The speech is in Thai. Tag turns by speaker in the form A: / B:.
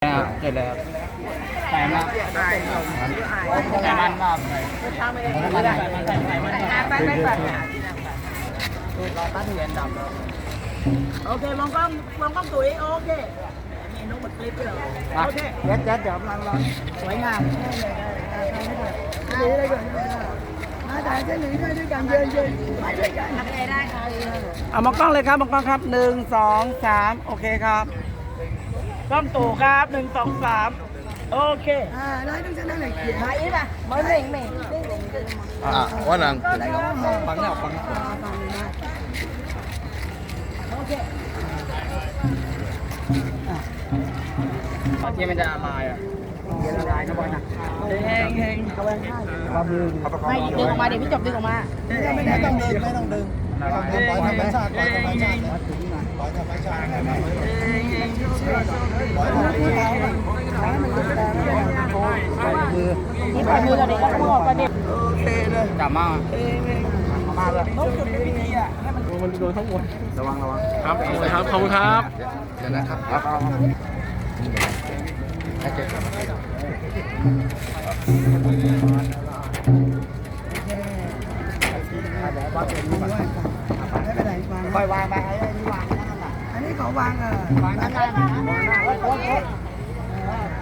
A: ครับเสร็จแล้วใส่มาใส่มันมากเราตั้งเหรียญดำ
B: โอเคมองกล้องตุ๋ยโอเคนี่นุ๊กหมดคลิปเลยโอเค
A: เดี๋ยวมัน
B: สวยงามได้เลยมาถ่ายเส้นหนึ่งด้วยกันเยินมาด้วยกันทำอะไรได้ครับเอามองกล้องเลยครับมองกล้องครับ1 2 3โอเคครับกล้องตู่ครับ1 2 3โอเคได้ต้องจะได้ไหนเขียนมาอีกป่ะมาหนึ่ง
C: ว่านัง
A: ฟังเนี่ยฟัง
B: โอเค
A: ที่มันจะละลายอ่ะละลายนะบอลนะ
B: เฮงเอาไว้ข้างไม่ดึงออกมาเดี๋ยวพี่จบดึงออกมา
C: ไม่ต้องดึงปล่อยธรรมชาติปล่อยธรรมชาติปล่อยธรรมชาติปล่อยธรรมชาติมือ
B: นี่ปล่อยมือเราเด็กก็ออกประเด็นโอเคเลย
A: จับมามาเลย
B: ต้องจุดในพิธีอ่ะให้
A: มันโดนทั้งหมดระวัง
D: ครับขอบคุณครับ
C: เดี๋ยวนะครับ
A: ค่อยวางไปไอ้นี่วางนั่นแหละ
B: อันนี้ขอวาง
A: วางนั่นแหละ